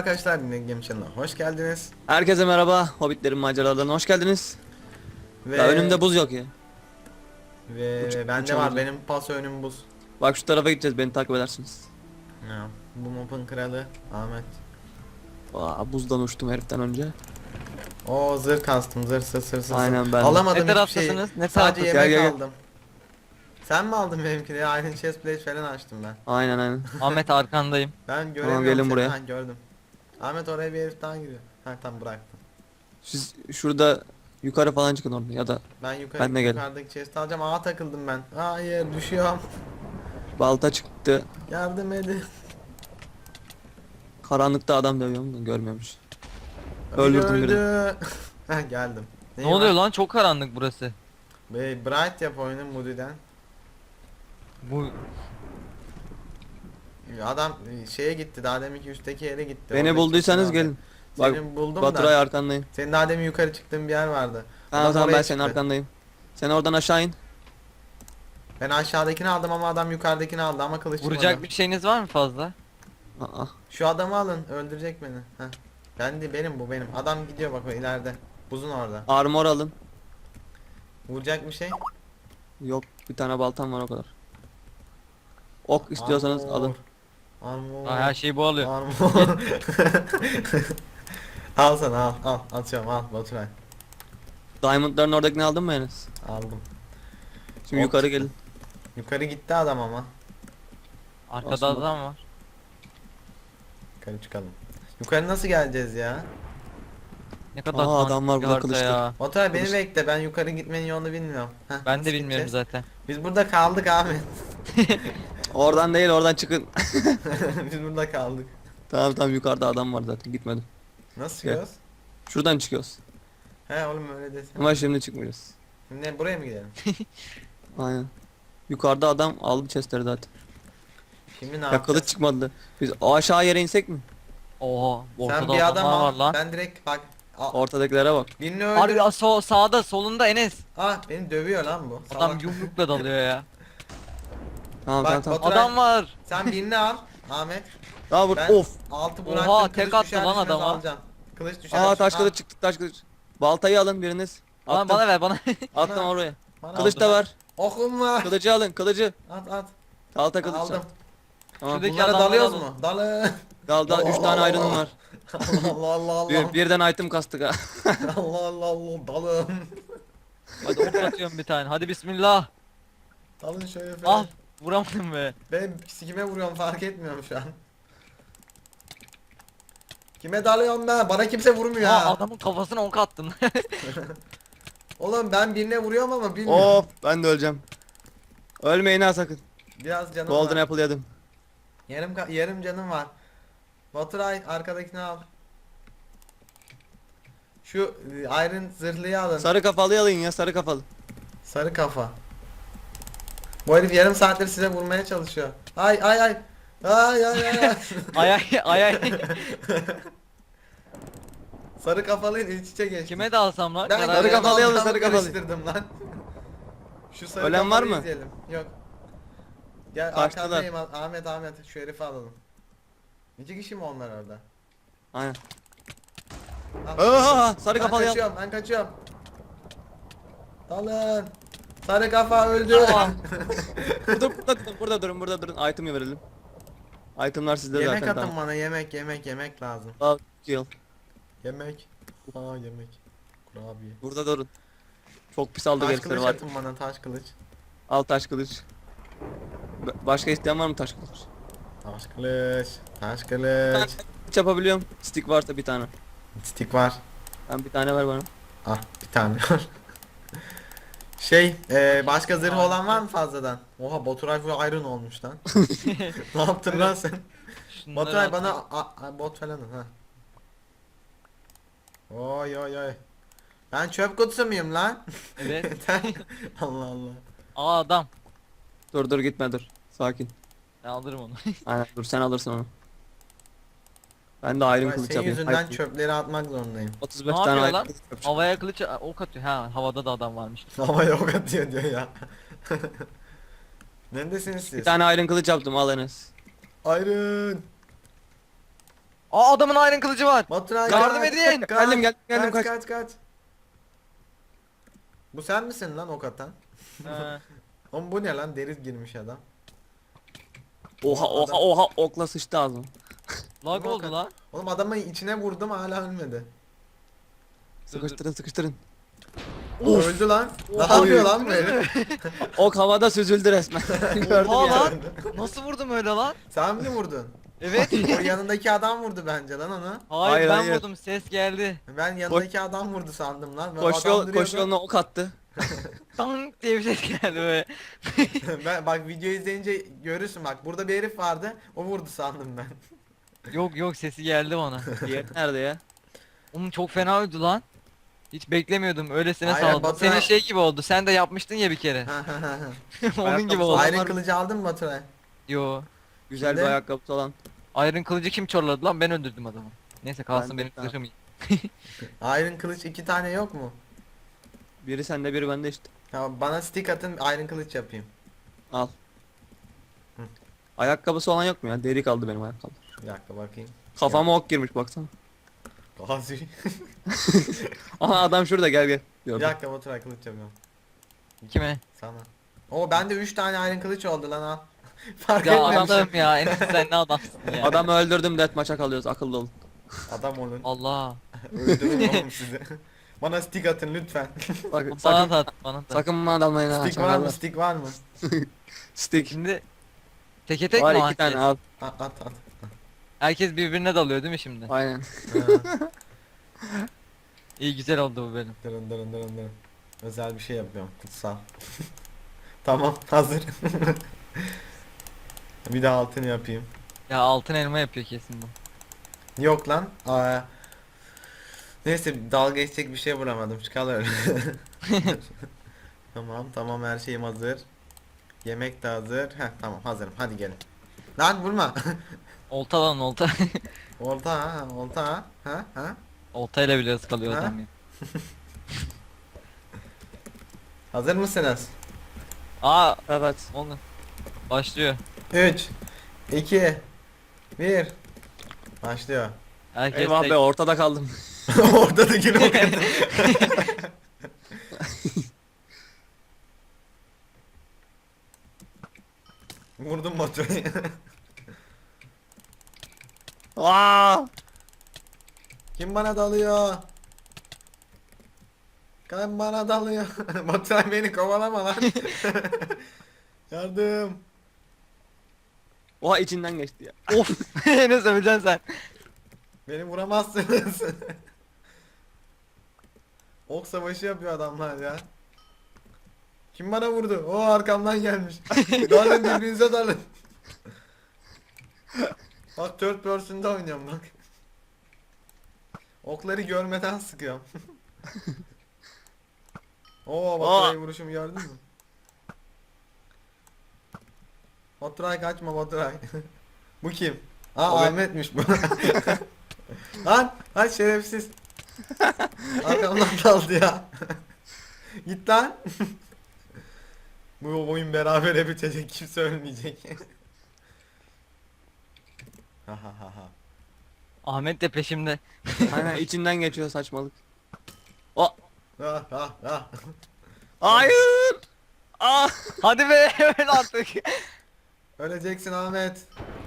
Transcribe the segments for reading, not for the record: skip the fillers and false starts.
arkadaşlar, Game Channel'a hoş geldiniz. Herkese merhaba. Hobbitlerin maceralarına hoş geldiniz. Ve Ya önümde buz yok ya. bende var, Uçamayacağım. benim paso önüm buz. Bak şu tarafa gideceğiz. Beni takip edersiniz. Ya, bu mapın kralı Ahmet. Buzdan uçtum heriften önce. O zırh kastım, zırh. Aynen ben de. Alamadım Ne hiçbir şey. taraftasınız? Ne Sadece taraftasınız? yemek Gel. aldım. Sen mi aldın benimkini? Aynen, chest plate falan açtım ben. Aynen. Ahmet arkandayım. Ben göremiyorum gelin seni. buraya. Ha, gördüm. Ahmet, oraya bir herif daha giriyor. Ha, tam bıraktım. Siz şurada yukarı falan çıkın orada ya da Ben Ben de geldim. yukarıdaki chest alacağım. Ağa takıldım ben. Hayır, düşüyorum. balta çıktı. Yardım edin. Karanlıkta adam dövüyorum da görmüyormuş. Biri Öldürdüm birini. öldü. Ha, geldim. Ne oluyor lan? Çok karanlık burası. Bright yap oyunu Moody'den. Bu Adam şeye gitti, daha deminki üstteki yere gitti. Beni Oradaki bulduysanız kimse aldı. gelin. Bak Seni buldum Baturay da. arkandayım. Senin daha demin yukarı çıktığın bir yer vardı. Tamam Adam tamam oraya ben senin çıktı. arkandayım. Sen oradan aşağı in. Ben aşağıdakini aldım ama adam yukarıdakini aldı ama kılıç vuracak çıkmadı. bir şeyiniz var mı fazla? Aa, Şu adamı alın, öldürecek beni. Heh. Benim bu benim. Adam gidiyor bak, o ileride. Buzun orada. armor alın. Vuracak bir şey. Yok bir tane baltam var o kadar. Ok istiyorsanız Armor. alın. Armor. Aa, her şeyi bu alıyor. Armor. Al sana, al atıyorum, al Baturay. Diamondların oradakini aldın mı Enes? Aldım. Şimdi Ok yukarı çıktı. gelin. Yukarı gitti adam ama. Arkada Aslında- adam var. Yukarı çıkalım. Yukarı nasıl geleceğiz ya? Ne kadar Aa, tanrı adam var bir burada harita kılıçlı. ya. Baturay beni Kılıç- bekle, ben yukarı gitmenin yolunu bilmiyorum. Heh, Ben nasıl de bilmiyorum gideceğiz? zaten. Biz burada kaldık Ahmet. Oradan değil oradan çıkın. Biz burada kaldık. Tamam yukarıda adam var zaten gitmedim. Nasıl Gel. çıkıyoruz? Şuradan çıkıyoruz. He oğlum, öyle desene. Ama şimdi çıkmıyoruz. Şimdi buraya mı gidelim? Aynen. Yukarıda adam aldı chestleri zaten. Şimdi ne Ya yapacağız? kılıç çıkmadı. Biz o aşağı yere insek mi? Oha, Sen ortada bir adam adamlar var al. lan. Ben direkt bak. Ortadakilere bak. Birini öldür. Harbi sağda solunda Enes. Ah, beni dövüyor lan bu. Adam Salak. yumrukla dalıyor ya. Tamam Bak, tamam. Baturay, Adam var. Sen birini al Ahmet. Daha vur. Ben Of. altı Oha, bıraktım. tek Kılıç attı düşer lan düşmez adama. alacağım. Kılıç düşer. Aa taş Al, kılıç çıktı taş kılıç. Baltayı alın biriniz. Bana, Attım. bana ver bana. Attım Bana- oraya. bana Kılıç al. da var. Okum var. Kılıcı alın kılıcı. At. Balta kılıç. Aldım. Tamam. Şuradaki Bunlara adamları dalıyoruz alın. mu? Dalın. Dal 3 tane iron'um var. Allah. Birden item kastık ha. Allah dalın. Hadi ok atıyorum bir tane. Hadi bismillah. Dalın şöyle falan. Ah, vuramadım be. Ben kime vuruyorum fark etmiyorum şu an. Kime dalıyorum ben? Bana kimse vurmuyor Aa, ha. adamın kafasına ok attın. Oğlum ben birine vuruyorum ama bilmiyorum. Of ben de öleceğim. Ölmeyin ha sakın. Biraz canım Golden var. apple yedim. Yarım canım var. Baturay, arkadakini al. Şu iron zırhlıyı alın. Sarı kafalıyı alın ya sarı kafalı. Sarı kafa. Bu herif yarım saattir size vurmaya çalışıyor. Ay. Ay. Ay. Sarı kafalıyla iç içe geçti. Kime dalsam lan? Ben Karar sarı ver. kafalı kafalı alın, sarı kafalı. karıştırdım lan. Şu sarı Ölen var kafalıyı mı? izleyelim. Yok. Gel Kaçtılar. arkandayım Ahmet, şu herifi alalım. İki kişi mi onlar orada? Aynen. Al. Aa, sarı Ben kafalı kaçıyorum, ben kaçıyorum. Dalın. Sarı kafa öldü. Aa. Burada durun. Item'ı verelim. Item'lar sizde Yemek zaten atın tamam. bana, yemek lazım. Al, kill. Yemek. Yemek. Kurabiye. Burada durun. Çok pis aldı Taş herifleri kılıç var. atın bana, taş kılıç. Al taş kılıç. Başka isteyen var mı taş kılıç? Taş kılıç. Hiç yapabiliyorum. Stick varsa bir tane. Stick var. Ben bir tane ver bana. Ah, bir tane var. Başka zırh olan var mı fazladan? Oha, Baturay full iron olmuş lan. Ne yaptın lan sen? Şunları Baturay at. bana bot falan ha. Oy. Ben çöp kutusu muyum lan? Evet. Allah. Aa, adam. Dur gitme dur. Sakin. Ben alırım onu. Aynen dur sen alırsın onu. Ben de iron Baturay, kılıç senin yapayım. yüzünden Hayır, çöpleri atmak zorundayım. 35 Ne tane yapıyor iron lan? kılıç yapacağım. Havaya kılıç ok atıyor. Ha, havada da adam varmış. Ama yok atıyor diyor ya. Neredesiniz siz? Bir tane iron kılıç yaptım al Enes. Iron. Aa adamın iron kılıcı var. Baturay Yardım kaç, edin. kaç, Geldim, kaç. kaç. Bu sen misin lan ok atan? Oğlum bu ne lan, deri girmiş adam. Oha okla sıçtı ağzım. Lag oldu lan. Oğlum adamı içine vurdum hala ölmedi. Sıkıştırın. Öldü lan. Ne Oha. yapıyor lan bu herif? Ok havada süzüldü resmen. Gördüm Oha ya. lan. Nasıl vurdum öyle lan? Sen mi vurdun? Evet. O yanındaki adam vurdu bence lan onu. Hayır, Hayır, ben hayır. vurdum, ses geldi. Ben yanındaki adam vurdu sandım lan. Ben Koş adam duruyordu. yoluna ok attı. Tank diye bir ses geldi böyle. Ben bak video izleyince görürsün bak, burada bir herif vardı, o vurdu sandım ben. Yok sesi geldi bana. Diğer nerede ya? Oğlum çok fena öldü lan. Hiç beklemiyordum, öylesine Aynen, saldım. Baturay- Senin şey gibi oldu, sen de yapmıştın ya bir kere. Onun gibi oldu. Iron kılıcı aldın mı Baturay? Yo. Güzel bir Şimdi? ayakkabısı olan. Iron kılıcı kim çorladı lan? Ben öldürdüm adamı. Neyse kalsın Ben de- benim tamam. zırhım iyi. Iron kılıç 2 tane yok mu? Biri sende biri bende işte. Ya bana stick atın, Iron kılıç yapayım. Al. Hı. Ayakkabısı olan yok mu ya? Deri kaldı benim ayakkabı. Bir dakika bakayım. Kafama ok girmiş baksana. Gazi. Aha adam şurada gel. Bir Gördüm. dakika Baturay, kılıç yapıyorum. Kime? Sana. O bende 3 tane Iron kılıç oldu lan, al. Fark Ya etmemişim. adamım ya, en sen ne adamsın ya. Adamı öldürdüm, deathmatch'a kalıyoruz, akıllı olun. Adam olun. Allah. Öldürürüm oğlum sizi. Bana stick atın lütfen. Bak, Bana sakın, da at, bana da. sakın bana dalmayın ha. Stick var mı? çakallar. Stick var mı? Stick. Şimdi teke tek Var mi 2 herkes? tane al. At. Herkes birbirine dalıyor değil mi şimdi? Aynen. İyi güzel oldu bu benim. Dırın. Özel bir şey yapıyorum. Kutsal. Tamam, hazır. Bir de altını yapayım. Ya altın elma yapıyor kesin bu. Yok lan. Neyse, dalga geçecek bir şey bulamadım. Çıkal öyle. Tamam, her şeyim hazır. Yemek de hazır. Heh, tamam, hazırım. Hadi gelin. Lan vurma. Olta lan olta. Olta ha. Oltayla bile ıskalıyor Ha? adam ya. Hazır mısınız? Aa Evet. onu. Başlıyor. 3 2 1 Başlıyor. Herkes Eyvah tek. be, ortada kaldım. Orada da yine o kadar. Vurdum motoru. Aa! Kim bana dalıyor? Kim bana dalıyor? Baturay beni kovalama lan. Yardım. Oha içinden geçti ya. Of. Ne söyleyeceksin sen? Beni vuramazsınız. Ok savaşı yapıyor adamlar ya. Kim bana vurdu? O arkamdan gelmiş. Dalın, birbirinize dalın. Bak, third person'da oynuyorum bak. Okları görmeden sıkıyorum. Oo, Baturay'ı vuruşumu gördün mü? Baturay kaçma Baturay. Bu kim? Aa, O ben. Ahmet'miş bu. Lan şerefsiz. Arkamdan daldı ya. Git lan. Bu oyun berabere bitecek, kimse ölmeyecek. Ha. Ahmet de peşimde. Aynen içinden geçiyor saçmalık. O. Ha. Hayır. Aa! Hadi be öl artık. Öleceksin Ahmet.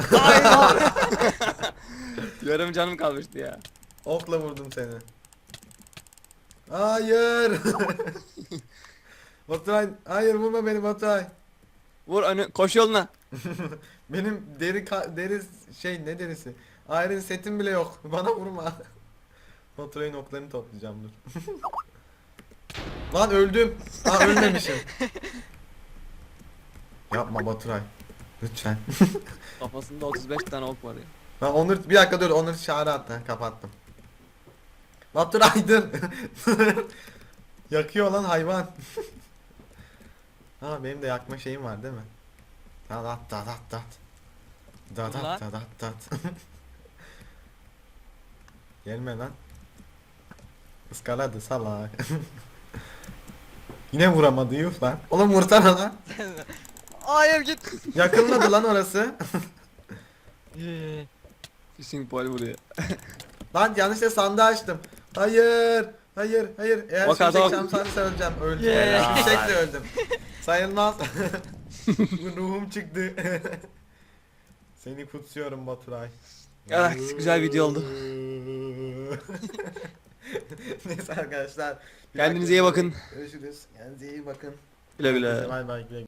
Yarım canım kalmıştı ya. Okla vurdum seni. Hayır. Baturay, hayır vurma beni Baturay. Vur önü, koş yoluna. Benim deri şey, ne derisi? Iron setim bile yok. Bana vurma. Baturay'ın oklarını toplayacağım, dur. Lan öldüm. Ölmemişim. Yapma Baturay. Lütfen. Kafasında 35 tane ok var ya. Ben Onur, bir dakika dur, Onur çağrı attı. Kapattım. Baturay dur. Yakıyor lan hayvan. Benim de yakma şeyim var değil mi? Dat. Gelme lan. Iskaladı salak. Yine vuramadı, yuh lan. Oğlum vursana lan. Hayır git. Yakınladı lan orası. Fishing pole vuruyor. Lan yanlışlıkla sandığı açtım. Hayır. Hayır. Hayır. Eğer Bak şimşek adam- çarparsa öleceğim. Öldüm. Yeah. Şimşekle öldüm. Sayılmaz. Ruhum çıktı. Seni kutsuyorum Baturay. Evet, güzel video oldu. Neyse arkadaşlar. bir Kendinize dakika iyi bakın. Görüşürüz. Kendinize iyi bakın. Güle güle. Bay bay. Güle güle.